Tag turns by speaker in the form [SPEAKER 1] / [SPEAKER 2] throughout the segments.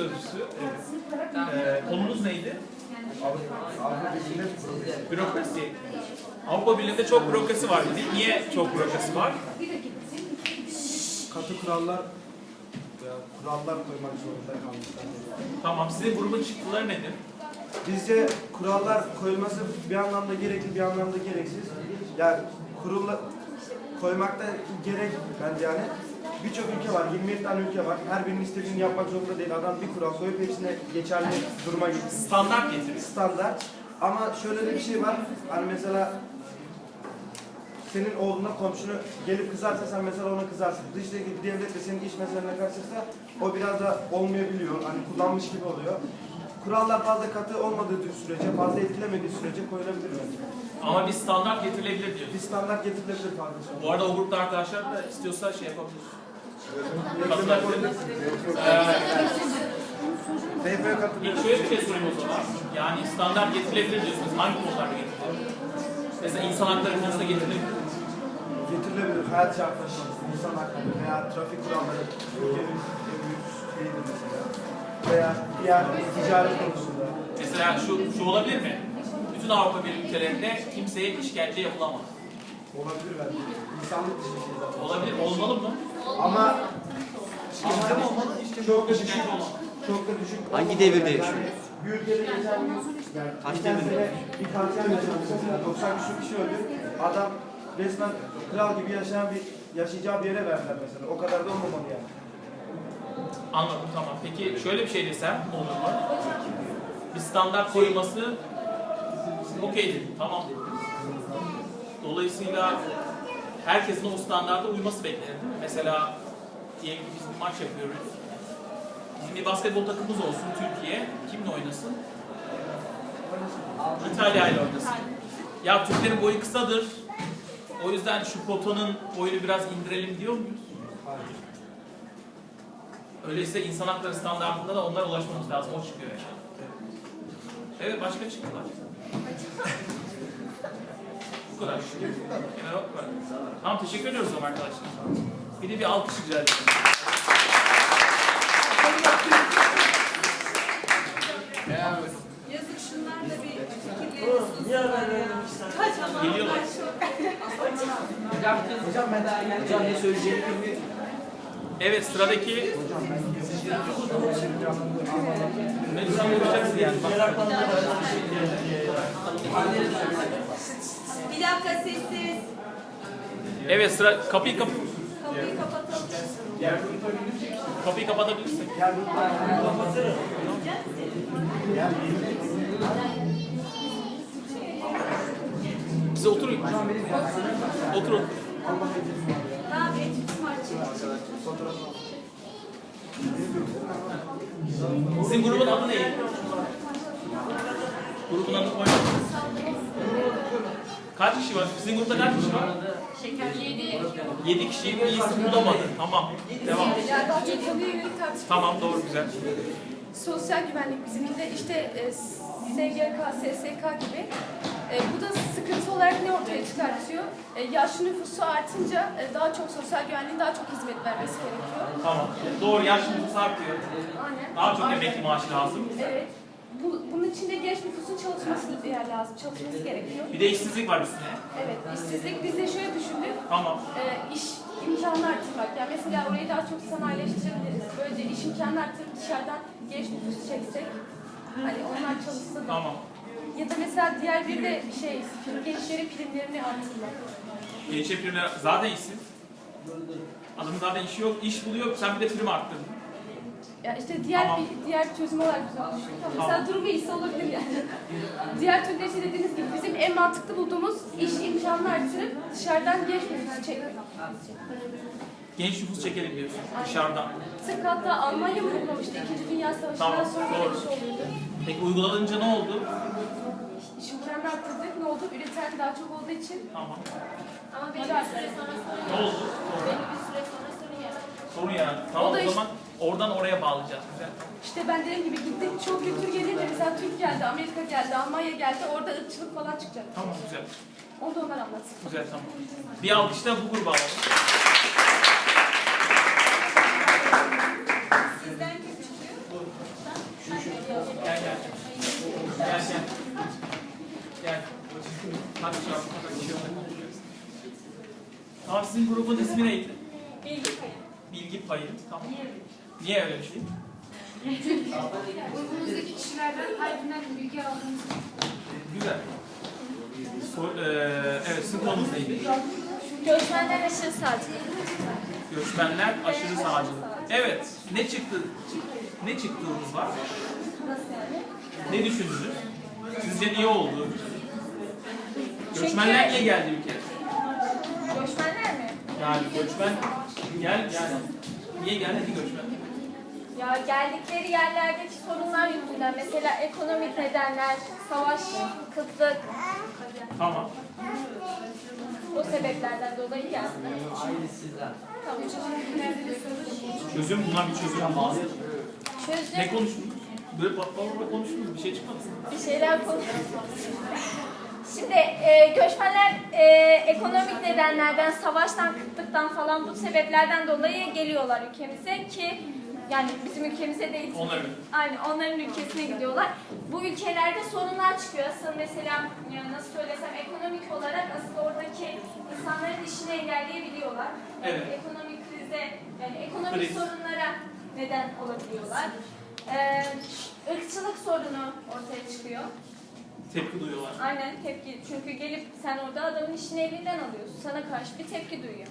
[SPEAKER 1] sözcüsü. Konumuz neydi? Bürokrasi. Avrupa Birliği'nde çok bürokrasi var dedik. Niye çok bürokrasi var?
[SPEAKER 2] Katı kurallar koymak zorunda kalmışlar.
[SPEAKER 1] Tamam, sizin grubun çıktıları nedir?
[SPEAKER 2] Bizce kurallar koyulması bir anlamda gerekli, bir anlamda gereksiz. Yani koymakta gerek bence yani. Birçok ülke var, 27 tane ülke var. Her birinin istediğini yapmak zorunda değil. Adam bir kural koyup hepsine geçerli duruma getiriyor.
[SPEAKER 1] Standart getiriyor.
[SPEAKER 2] Standart. Ama şöyle de bir şey var. Hani mesela senin oğluna, komşunu gelip kızarsa sen mesela ona kızarsın. Dıştaki bir devlet de senin iş meselenine karışırsa o biraz da olmayabiliyor. Hani kullanmış gibi oluyor. Kurallar fazla katı olmadığı sürece, fazla etkilemediği sürece koyulabilir bence.
[SPEAKER 1] Ama bir standart getirilebilir diyor.
[SPEAKER 2] Bir standart getirilebilir kardeşim.
[SPEAKER 1] Bu arada o grupta arkadaşlar da istiyorsa şey yapabilir.
[SPEAKER 2] TF'ye katılıyor.
[SPEAKER 1] İlk şöyle bir şey sorayım o zaman. Yani standart getirilebilir diyorsunuz. Hangi konularda getirilebilir? Mesela insan hakları konusunda getirilebilir.
[SPEAKER 2] Getirilebilir. Hayat şartları, insan hakları veya trafik kuralları, ülkenin en büyük şeyidir mesela. Veya diğer ticaret konusunda.
[SPEAKER 1] Mesela şu olabilir mi? Bütün Avrupa Birliği ülkelerinde kimseye işkence yapılamaz.
[SPEAKER 2] Olabilir bence. İnsanlık dışı bir şey zaten.
[SPEAKER 1] Olabilir, olmalı mı?
[SPEAKER 2] Ama
[SPEAKER 1] Bizde mi olmalı?
[SPEAKER 2] çok da düşük.
[SPEAKER 1] İşkence olmaz.
[SPEAKER 2] Çok da düşük.
[SPEAKER 3] Hangi devirde yaşıyoruz?
[SPEAKER 2] Bir ülkede geçen gün,
[SPEAKER 3] Kaç
[SPEAKER 2] geçen
[SPEAKER 3] devirde?
[SPEAKER 2] sene bir katliam yaşandı mesela. 90 küsur kişi öldü. Adam resmen kral gibi yaşayacağı bir yere verdiler mesela. O kadar da olmamalı yani.
[SPEAKER 1] Anladım, tamam. Peki şöyle bir şey desem olur mu? Bir standart koyulması okey dedim, tamam dedim. Dolayısıyla herkesin o standarda uyması beklenir değil mi? Mesela diyelim ki biz bir maç yapıyoruz. Bizim bir basketbol takımımız olsun Türkiye. Kimle oynasın? İtalya ile oynasın. Ya Türklerin boyu kısadır. O yüzden şu potanın boyunu biraz indirelim diyor muyuz? Öyleyse insan hakları standartında da onlara ulaşmamız lazım. O çıkıyor yani. Evet, başka çıktılar. Bu kadar. Evet, bu kadar. Tamam, teşekkür ediyoruz o zaman arkadaşlar. Bir de bir alkış rica ediyorum.
[SPEAKER 4] Yazık şunlar da bir fikirlerini sunsunlar.
[SPEAKER 1] Geliyorlar.
[SPEAKER 3] Hocam ne söyleyeceğimi bilmiyorum.
[SPEAKER 1] Evet, sıradaki... Ne düşünüyorsun yani?
[SPEAKER 4] Bir dakika sessiz.
[SPEAKER 1] Evet, sıra... Kapıyı
[SPEAKER 4] Kapıyı kapatalım.
[SPEAKER 1] Kapıyı kapatabilirsin. Size oturun. Oturun.
[SPEAKER 4] Tamam, etütüm açık.
[SPEAKER 1] Sizin grubun adı ne? Grubun adı koyun. Kaç kişi var? Sizin grupta kaç kişi var? 7 kişi bir isim bulamadı. Tamam. Devam.
[SPEAKER 5] Ya daha çok konuya yönelik tartışma.
[SPEAKER 1] Tamam, doğru, güzel.
[SPEAKER 5] Sosyal güvenlik bizimkinde işte SGK, SSK gibi. Bu da sıkıntı olarak ne ortaya çıkartıyor? Yaşlı nüfusu artınca daha çok sosyal güvenliğin daha çok hizmet vermesi gerekiyor.
[SPEAKER 1] Tamam. Doğru, yaş nüfusu artıyor.
[SPEAKER 5] Aynen.
[SPEAKER 1] Daha çok
[SPEAKER 5] Aynen.
[SPEAKER 1] emekli maaşı lazım.
[SPEAKER 5] Evet. Bunun için de genç nüfusun çalışması lazım. Çalışması gerekiyor.
[SPEAKER 1] Bir de işsizlik var üstüne.
[SPEAKER 5] Evet. İşsizlik biz de şöyle düşündük.
[SPEAKER 1] Tamam.
[SPEAKER 5] İş imkanı arttırmak. Yani mesela orayı daha çok sanayileştirebiliriz. Böylece iş imkanı arttırıp dışarıdan genç nüfusu çeksek. Hani onlar çalışsa da.
[SPEAKER 1] Tamam.
[SPEAKER 5] Ya da mesela diğer bir de gençlerin primlerini arttırmak.
[SPEAKER 1] Gençler primler zaten işsiz. Adamın zaten işi yok, iş buluyor, sen bir de prim arttırdın.
[SPEAKER 5] Ya işte
[SPEAKER 1] Tamam.
[SPEAKER 5] diğer çözüm olarak güzel düşünüyorum. Mesela durumu iyisi olabilir yani. Diğer türlü işte dediğiniz gibi bizim en mantıklı bulduğumuz iş imkanını arttırıp dışarıdan genç nüfusu çekmek.
[SPEAKER 1] Genç nüfus çekelim diyorsun dışarıdan.
[SPEAKER 5] Tıpkı hatta Almanya mı uygulamıştı? İkinci Dünya Savaşı'ndan
[SPEAKER 1] Tamam,
[SPEAKER 5] sonra
[SPEAKER 1] doğru.
[SPEAKER 5] böyle bir şey oluyordu.
[SPEAKER 1] Peki uygulanınca ne oldu?
[SPEAKER 5] İş imkanını arttırdık. Ne oldu? Üreten daha çok olduğu için.
[SPEAKER 1] Tamam.
[SPEAKER 4] Ama belli bir süre sonra sorun
[SPEAKER 1] Ne oldu?
[SPEAKER 4] Belli bir süre sonra sorun yarar.
[SPEAKER 1] Sorun yarattı. Tamam,
[SPEAKER 5] O da
[SPEAKER 1] o zaman oradan oraya bağlayacağız. Güzel.
[SPEAKER 5] İşte ben dediğim gibi gittik çok kültür gelince mesela Türk geldi, Amerika geldi, Almanya geldi. Orada ırkçılık falan çıkacak.
[SPEAKER 1] Tamam, güzel.
[SPEAKER 5] Onu da onlar anlatsın.
[SPEAKER 1] Güzel, tamam. Bir alkışla bu gruba alalım.
[SPEAKER 4] Sizden kim çıkıyor?
[SPEAKER 1] Tamam, sizin grubun ismi neydi?
[SPEAKER 5] Bilgi payı.
[SPEAKER 1] Bilgi payı. Tamam. Niye öyle bir şey?
[SPEAKER 6] Grubumuzdaki kişilerden kalbinden bilgi aldığımız
[SPEAKER 1] Güzel. Evet, sizin konunuz neydi?
[SPEAKER 5] Göçmenler aşırı sağcı.
[SPEAKER 1] Göçmenler aşırı sağcı. Evet, ne çıktı? Ne çıktığınız var?
[SPEAKER 5] Nasıl yani?
[SPEAKER 1] Ne düşündünüz? Sizce niye oldu? Göçmenler niye geldi ülkeye?
[SPEAKER 5] Göçmenler mi?
[SPEAKER 1] Yani göçmen yani niye geldi ki göçmen?
[SPEAKER 5] Ya geldikleri yerlerdeki sorunlar yüzünden, mesela ekonomik nedenler, savaş, kıtlık,
[SPEAKER 1] Tamam.
[SPEAKER 5] o sebeplerden dolayı geldi. Tamam.
[SPEAKER 1] Çözüm, buna bir çözüm lazım.
[SPEAKER 5] Çözüm.
[SPEAKER 1] Ne konuştunuz? Böyle patlamada konuştunuz, bir şey çıkmadı.
[SPEAKER 5] Bir şeyler konuşuyoruz. Şimdi göçmenler ekonomik nedenlerden, savaştan, kıtlıktan falan bu sebeplerden dolayı geliyorlar ülkemize ki yani bizim ülkemize değil.
[SPEAKER 1] Onların.
[SPEAKER 5] Aynen onların ülkesine gidiyorlar. Bu ülkelerde sorunlar çıkıyor. Asıl mesela nasıl söylesem ekonomik olarak asıl oradaki insanların işini engelleyebiliyorlar. Yani
[SPEAKER 1] Evet.
[SPEAKER 5] ekonomik krize, yani ekonomik
[SPEAKER 1] Kriz.
[SPEAKER 5] sorunlara neden olabiliyorlar. Irkçılık sorunu ortaya çıkıyor.
[SPEAKER 1] Tepki duyuyorlar.
[SPEAKER 5] Aynen tepki. Çünkü gelip sen orada adamın işini elinden alıyorsun. Sana karşı bir tepki duyuyor.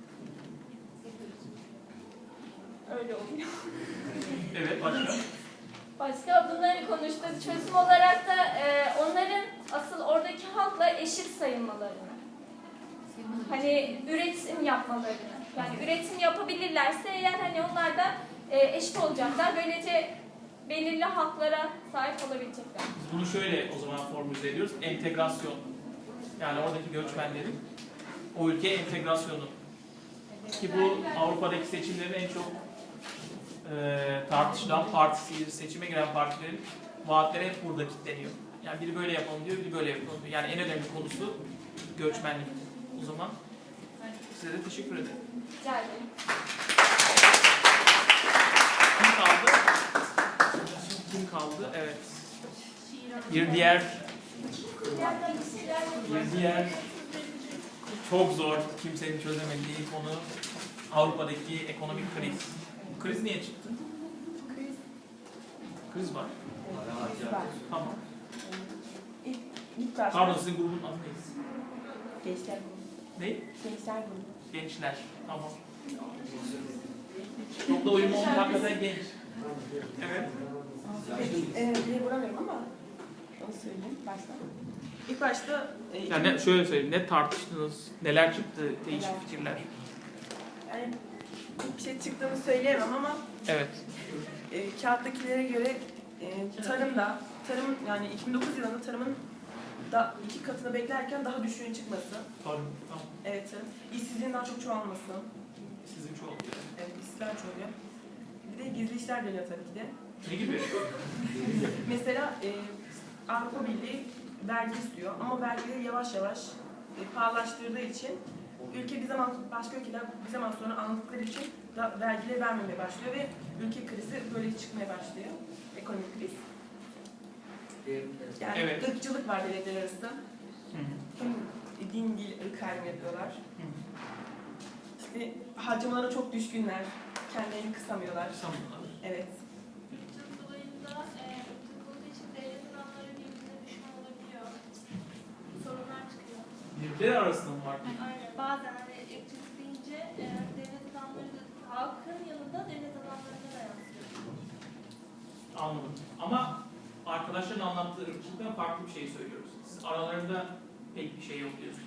[SPEAKER 5] Öyle oluyor.
[SPEAKER 1] Evet, başka?
[SPEAKER 5] Başka bunları konuştuk. Çözüm olarak da onların asıl oradaki halkla eşit sayılmalarını. Hani üretim yapmalarını. Yani üretim yapabilirlerse eğer hani onlar da eşit olacaklar. Böylece belirli haklara sahip olabilecekler.
[SPEAKER 1] Biz bunu şöyle o zaman formüle ediyoruz. Entegrasyon. Yani oradaki göçmenlerin o ülkeye entegrasyonu. Ki bu Avrupa'daki seçimlerin en çok tartışılan partisi, seçime giren partilerin vaatleri hep burada kilitleniyor. Yani biri böyle yapalım diyor, biri böyle yapalım diyor. Yani en önemli konusu göçmenlik. O zaman size de teşekkür ederim.
[SPEAKER 5] Rica ederim.
[SPEAKER 1] Kim kaldı? Kim kaldı? Evet. Bir diğer çok zor, kimsenin çözemediği konu Avrupa'daki ekonomik kriz. Bu kriz niye çıktı? Kriz var. Tamam.
[SPEAKER 7] İlk başta
[SPEAKER 1] Pardon, sizin grubun adı neydi?
[SPEAKER 7] gençler
[SPEAKER 1] Ne?
[SPEAKER 7] gençler grubu.
[SPEAKER 1] Gençler. Tamam. Çok da uyumlu olmuş, hakikaten genç. Evet.
[SPEAKER 7] Dile vuramıyorum ama onu söyleyeyim başta. İlk başta
[SPEAKER 1] Yani şöyle söyleyeyim, ne tartıştınız, neler çıktı, değişik fikirler.
[SPEAKER 7] yani bir şey çıktığını söyleyemem ama
[SPEAKER 1] Evet.
[SPEAKER 7] kağıttakilere göre tarım yani 2009 yılında tarımın da 2 katını beklerken daha düşüğün çıkması.
[SPEAKER 1] Tamam.
[SPEAKER 7] Evet. İşsizliğin daha çok çoğalması.
[SPEAKER 1] Sizin çoğu.
[SPEAKER 7] Evet, işsizler çoğalıyor. Bir de gizli işler dönüyor tabii ki de.
[SPEAKER 1] Ne gibi?
[SPEAKER 7] Mesela Avrupa Birliği vergi istiyor ama vergileri yavaş yavaş pahalılaştırdığı için ülke bir zaman başka ülkeler bir zaman sonra anladıkları için da vergileri vermemeye başlıyor ve ülke krizi böyle çıkmaya başlıyor. Ekonomik kriz. Yani
[SPEAKER 1] Evet.
[SPEAKER 7] ırkçılık var devletler arasında. Hem din, dil, ırk ayrımı yapıyorlar. İşte harcamalara çok düşkünler. Kendilerini kısamıyorlar.
[SPEAKER 1] Sanırlar.
[SPEAKER 7] Evet.
[SPEAKER 6] ırkçılık dolayında ırkçılık olduğu için devlet adamları birbirine düşman olabiliyor. Sorunlar çıkıyor.
[SPEAKER 1] Birbirleri arasında mı var?
[SPEAKER 6] Aynen. Bazen hani ırkçılık deyince devlet adamları da halkın yanında devlet adamlarına da yansıyor.
[SPEAKER 1] Anladım. Ama arkadaşların anlattığı ırkçılıktan farklı bir şey söylüyoruz. Siz aralarında pek bir şey yok diyorsunuz.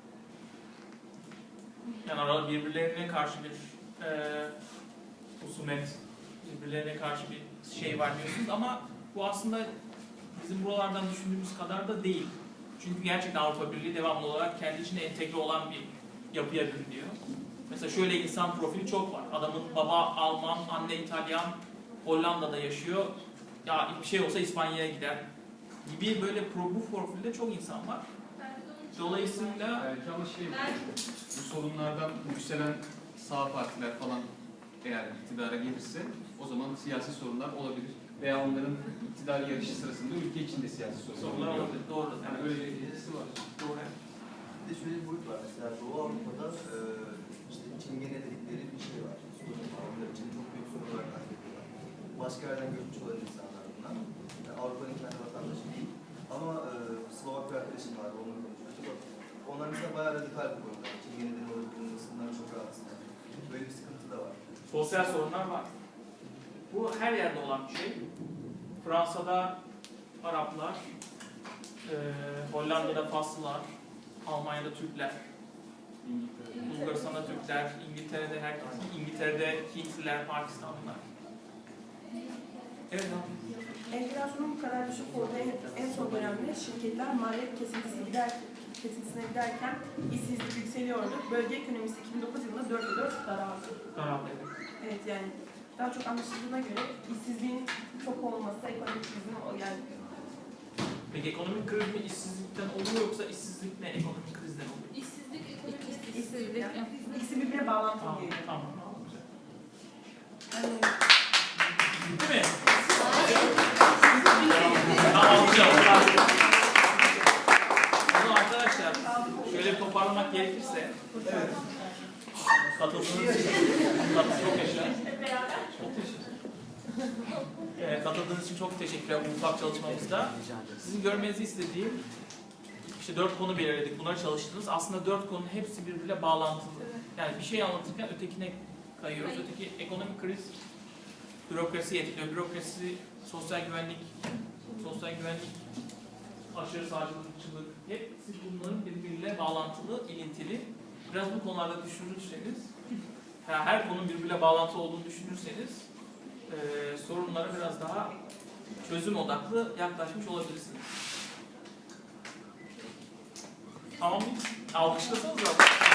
[SPEAKER 1] Yani birbirlerine karşı bir husumet, birbirlerine karşı bir şey var diyorsunuz ama bu aslında bizim buralardan düşündüğümüz kadar da değil. Çünkü gerçekten Avrupa Birliği devamlı olarak kendi içinde entegre olan bir yapıya bürünüyor. Mesela şöyle insan profili çok var. Adamın baba Alman, anne İtalyan, Hollanda'da yaşıyor. Ya bir şey olsa İspanya'ya gider gibi böyle bu profilde çok insan var. Dolayısıyla
[SPEAKER 8] Belki ama bu sorunlardan yükselen sağ partiler falan eğer iktidara gelirse o zaman siyasi sorunlar olabilir. Veya onların iktidar yarışı sırasında ülke içinde siyasi sorunlar
[SPEAKER 1] sorunlar
[SPEAKER 8] olabilir.
[SPEAKER 1] olabilir. Doğru.
[SPEAKER 8] Yani öyle bir etkisi var.
[SPEAKER 1] Doğru.
[SPEAKER 9] de şöyle bir boyut var. Mesela Doğu Avrupa'da işte çingene dedikleri bir şey var. Sorun var. Onlar için çok büyük sorun olarak kaydediyorlar. Başka yerden göçmüş olan insanlar bunlar. Yani Avrupa'nın kendi vatandaşı değil. Ama Slovak bir arkadaşım vardı, onunla konuşmuştuk. Onlar mesela bayağı radikal bir konuda. Çingene'den olabilmesinden çok rahatsızlar. Böyle bir sıkıntı da var.
[SPEAKER 1] Sosyal sorunlar var. Bu her yerde olan bir şey. Fransa'da Araplar, Hollanda'da Faslılar, Almanya'da Türkler, Bulgaristan'da Türkler, İngiltere'de herkes, İngiltere'de Hintliler, Pakistanlılar. Evet abi.
[SPEAKER 7] Enflasyonun bu kadar düşük olduğu en son dönemde şirketler maliyet kesintisine giderken işsizlik yükseliyordu. Bölge ekonomisi 2009 yılında 4,4 daraldı.
[SPEAKER 1] Daraldı.
[SPEAKER 7] Evet yani daha çok anlaşıldığına göre işsizliğin çok olması ekonomik krizin yani.
[SPEAKER 1] Peki ekonomik kriz mi işsizlikten oluyor yoksa işsizlik ne ekonomik krizden oluyor?
[SPEAKER 6] İşsizlik, ekonomik
[SPEAKER 7] İşsizlik yani. İkisi birbirine bağlantılı
[SPEAKER 1] Tamam,
[SPEAKER 7] diyelim.
[SPEAKER 1] tamam. Güzel.
[SPEAKER 7] Yani,
[SPEAKER 1] Değil mi? Tamam, alacağım. Bunu arkadaşlar şöyle bir toparlamak gerekirse katıldığınız için çok yaşa. Çok teşekkür. Katıldığınız için çok teşekkürler bu ufak çalışmamızda. Sizin görmenizi istediğim işte 4 konu belirledik. Bunları çalıştınız. Aslında 4 konunun hepsi birbiriyle bağlantılı. Yani bir şey anlatırken ötekine kayıyoruz. Öteki ekonomik kriz bürokrasi etkiliyor. Bürokrasi, sosyal güvenlik, aşırı sağcılıkçılık, hepsi bunların birbiriyle bağlantılı, ilintili. Biraz bu konularda düşünürseniz, her konunun birbiriyle bağlantılı olduğunu düşünürseniz sorunlara biraz daha çözüm odaklı yaklaşmış olabilirsiniz. Tamam mı? Alkışlasanız da.